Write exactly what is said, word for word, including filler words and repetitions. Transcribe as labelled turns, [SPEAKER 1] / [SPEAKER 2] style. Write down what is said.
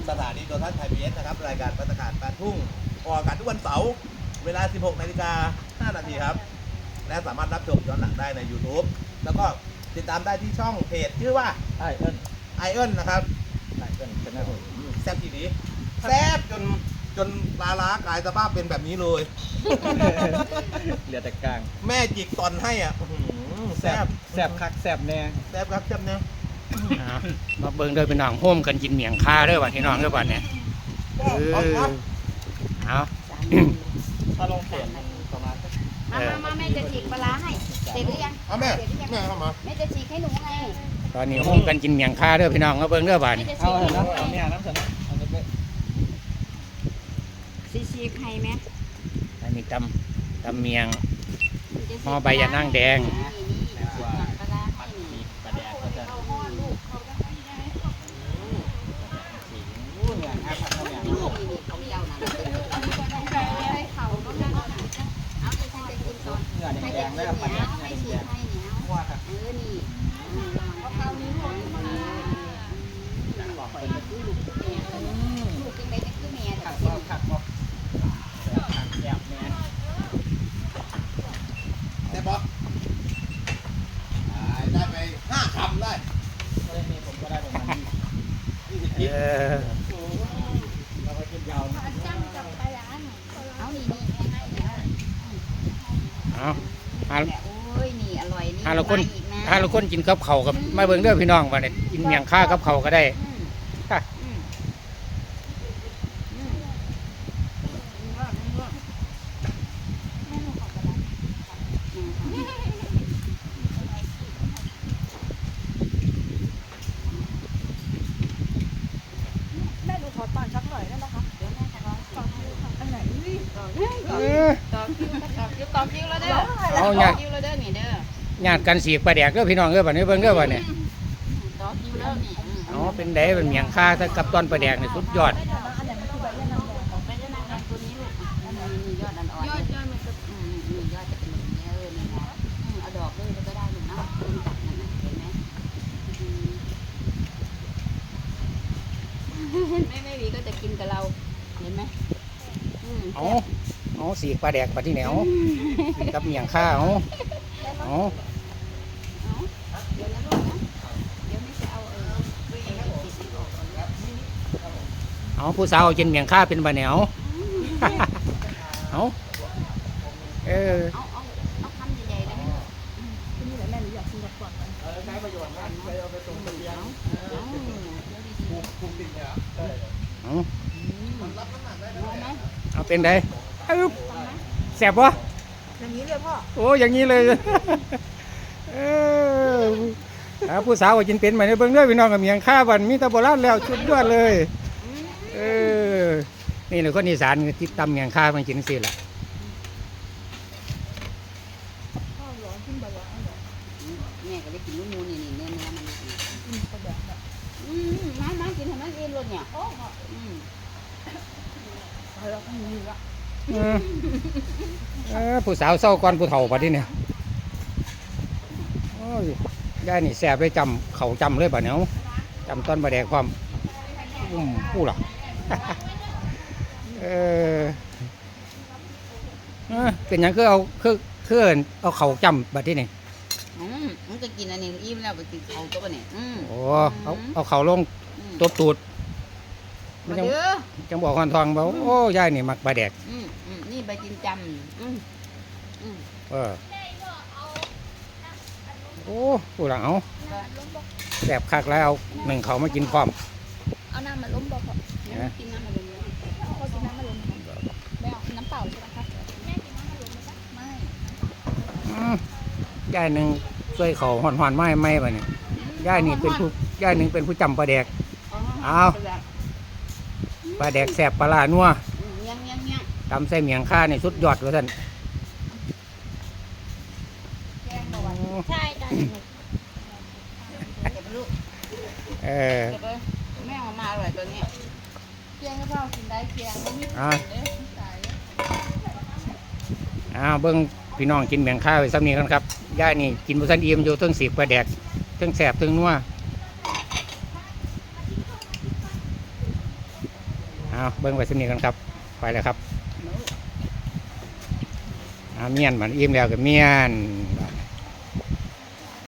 [SPEAKER 1] สถานีโทรทัศน์ไทยพีบีเอสนะครับรายการบรรยากาศแปดทุ่งออกอากาศทุกวันเสาร์เวลา สิบหกนาฬิกาห้านาทีครับและสามารถรับชมย้อนหลังได้ใน YouTube แล้วก็ติดตามได้ที่ช่องเพจชื่อว่า
[SPEAKER 2] ไอเอิ้น
[SPEAKER 1] ไอเอิ้นนะครับ
[SPEAKER 2] ไอเอิ้นเป็นอะไร
[SPEAKER 1] แซ่บทีนี้แซ่บจนจนปลาล้ากลายสภาพเป็นแบบนี้เลย
[SPEAKER 2] เหลือแต่กลาง
[SPEAKER 1] แม่จิกตอนให้อ่ะแซ่บ
[SPEAKER 2] แซ่บคักแซ่บแน่
[SPEAKER 1] แซ่บครับแซ่บแน่
[SPEAKER 3] มาเบิ่งเด้อพี่น้องโฮมกันกินเมียงคาเด้อบัดพี่น้องเด้อบัดเนี่ยเออเอา
[SPEAKER 2] ถ้าลงเปลี่ยนประมาณ
[SPEAKER 4] มามามาแม่จะฉีกปลาให้เสร็จหรือยัง
[SPEAKER 1] เอาแม่แม่เข้ามา
[SPEAKER 4] แม่จะฉีกให้หนูไง
[SPEAKER 3] ตอนนี้โฮมกันกินเมียงคาเด้อพี่น้องมาเบิ่งเด้อบัดนี่
[SPEAKER 2] เอาเถอะนะเอาเนี่ยน้ำเสร็จนะเอาไป
[SPEAKER 4] ฉีกให้แม่
[SPEAKER 3] อันนี้ตำตำเมียงห่อใบยะนางแดง
[SPEAKER 2] แดงแล้วปัดเนี่ยแดงแดงว่าครับ
[SPEAKER 4] เออนี่เอาข้าวนี้หมดลูกลูกกินได้จะคือแม่
[SPEAKER 2] ขัดก็ขัดก็ขัดแซ่บแม่
[SPEAKER 1] ได้ปะได้ไปห้าคำได้
[SPEAKER 2] ก็ได้มีผมก็ได้ประมาณนี้
[SPEAKER 3] เออ
[SPEAKER 2] เราไปกินยาว
[SPEAKER 4] เอานี่นี่
[SPEAKER 3] เอา
[SPEAKER 4] โอ้ยนี่อร่อยนี่
[SPEAKER 3] ถ้าเราคนถ้าเราคนกินกับเข่ากับมาเบิ่งเด้อพี่น้องบัดนี้กินเมียงคากับเข่าก็ได้
[SPEAKER 4] แม่ดูขอตอนชักหน่อยได้ไหมคะเดี๋ยวแม่จะร้องตอนอันไหนต่อคิวต่อคิวต่อคิวต่อคิวแล้วเด้อ
[SPEAKER 3] เอาเนี่ย
[SPEAKER 4] คิวแล้วเด้อนี่เด้อ
[SPEAKER 3] ญาติกันสีกปลาแดกเด้อพี่น้องเด้อบัดนี้เบิ่งเด้อบัดนี้
[SPEAKER 4] ต่อคิวแล้วนี่
[SPEAKER 3] อ๋อเป็นไดเป็นเมียงคาถ้ากับตอนปลาแดกนี่สุดยอด
[SPEAKER 4] ไปเล่นน้ำแดงตัวนี้ลูกมียอดอ่อนๆยอดยอดมันจะอืมมียอดจะเป็นแบบนี้เออนี่นะเอาดอกด้วยก็ได้อยู่นะเป็นตัดนั่นน่ะเห็นไหมไม่ไม่มีก็จะกินกับเราเห็นไหม
[SPEAKER 3] เอาเอาสีกปลาแดกปลาที่ไหนเอากับเมียงคาเอาเอา
[SPEAKER 4] เดี๋ยวนะลูกนะเดี๋ยวไม่จะเอาเออ
[SPEAKER 3] เอาผู้สาวกินเมียงคาเป็นบะเหนียวเอาเออ
[SPEAKER 4] เอาเอาเอาคำใหญ่ๆได้ไหมที่นี่แหละแม่หนูอยากกินกับก่อน
[SPEAKER 2] เออใช้ประโยชน์นะไปเอาไปส่งเสียง
[SPEAKER 1] ภูมิภูมิดินเนี่ย
[SPEAKER 3] เอาเอาเป็นไงแสบวะ
[SPEAKER 4] อย่างนี้เลยพ่อ
[SPEAKER 3] โอ้อย่างนี้เลยเออผู้สาวกินเป็นไหมเนี่ยเบิ่งด้วยพี่น้องกับเมียงข้าวันมีตะโบราณแล้วชุดยอดเลยเออนี่เลยคนอีสานที่ตำเมียงข้ามันกินสิล่ะ
[SPEAKER 4] แม่ก็ได้กินลูกมูนี่นี่เนื้อเนื้อมันอืมก็แบบอืมมามากินทำไมกินรสเนี่ยโอ้อืมเราก็มีละ
[SPEAKER 3] เออผู้สาวเศร้าก่อนผู้เฒ่าปะที่เนี่ยโอ้ยยายนี่แสบเลยจำเขาจำเลยปะเนาะจำต้นบะแดกความอืมผู้หรอเออเป็นยังคือเอาคือคือเอาเขาจำแบบที่นี่
[SPEAKER 4] อืมมันจะกินอันนี้อิ่มแล้วไปกินเขาตัวปะเนี่ยอืม
[SPEAKER 3] โอ้เอาเอาเขาลงตบตูดมันจังจังบอกคอนทองบอกโอ้ยายนี่มักบะแดก
[SPEAKER 4] อืมอืมนี่ใบจินจำอืมอืม
[SPEAKER 3] เออโอ้ผู้หลังเอาแสบคักแล้วหนึ่งเขามากินพร้อม
[SPEAKER 4] เอาน้ำมาล้มบอกกินน้ำมาล้มเขากินน้ำมาล้มไม่เอาน้ำเปล่าใช่ไหมคะแม่กินน้ำมาล้มไม่
[SPEAKER 3] ยายหนึ่งช่วยเขาหอนหอนไม้ไม้ไปเนี่ยยายนี่เป็นผู้ยายหนึ่งเป็นผู้จำปลาแดกเอาปลาแดกแสบปลาลานัวตำใส่เมียงข้านี่สุดยอดเลยท่าน
[SPEAKER 4] ใช่จ้ะ
[SPEAKER 3] เออ
[SPEAKER 4] แม่มาอร่อยตัวนี้เคียงก็พ่อกินได้เคียงก็มี
[SPEAKER 3] อ่าอ่าเบิ้งพี่น้องกินเมียงข้าวไปซ้ำนี้กันครับย่านี่กินบุษันเอี่ยมอยู่ตั้งสีปลาแดกตั้งแสบตั้งนัวเอาเบิ้งไว้สำนีกันครับไปแล้วครับเอาเมียนมันอิ่มแล้วกับเมียน